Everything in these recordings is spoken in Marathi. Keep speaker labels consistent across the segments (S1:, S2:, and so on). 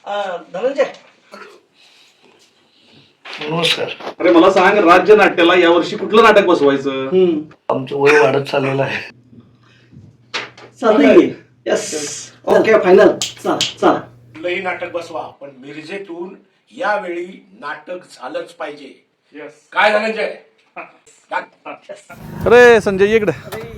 S1: धनंजय
S2: नमस्कार.
S3: अरे मला सांग, राज्य नाट्याला यावर्षी कुठलं नाटक बसवायचं?
S2: आमचं वय वाढत चाललेलं आहे.
S1: चालतंय. Yes okay final. चला चला.
S4: कुठलंही नाटक बसवा, पण मिरजेतून यावेळी नाटक झालंच पाहिजे. काय धनंजय?
S3: अरे संजय इकडे.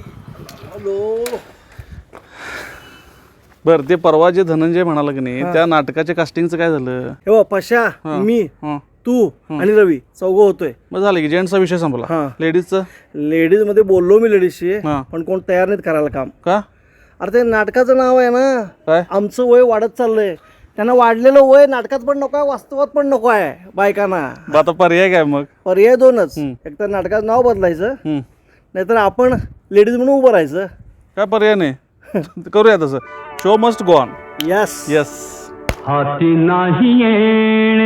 S3: बर, ते परवा जे धनंजय म्हणाला की नाही, त्या नाटकाच्या कास्टिंगचं काय झालं?
S1: हे पशा मी तू आणि रवी चौघं होतोय.
S3: मग झालं की जेंट्सचा विषय संपला. लेडीजचं
S1: लेडीज मध्ये बोललो मी लेडीजशी,
S3: हा.
S1: पण कोण तयार नाहीत करायला काम.
S3: का?
S1: अरे ते नाटकाचं नाव आहे ना,
S3: काय?
S1: आमचं वय वाढत चाललंय. त्यांना वाढलेलं वय नाटकात पण नको आहे, वास्तवात पण नको आहे बायकांना.
S3: मग आता पर्याय काय मग?
S1: पर्याय दोनच, एक तर नाटकाचं नाव बदलायचं, नाहीतर आपण लेडीज म्हणून उभं राहायचं.
S3: काय पर्याय नाही. करूया तसं. Show must go on.
S1: Yes
S3: yes.
S5: हाती नाही येणे,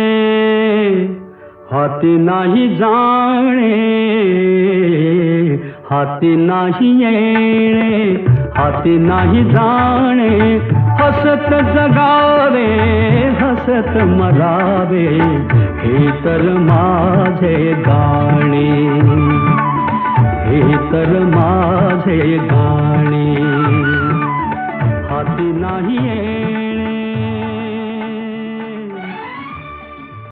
S5: हाती नाही जाणे, हाती नाही येणे, हाती नाही जाणे. हसत जगावे, हसत मरावे, हे तर माझे गाणे, हे तर माझे गाणे. हाती नाही येणे.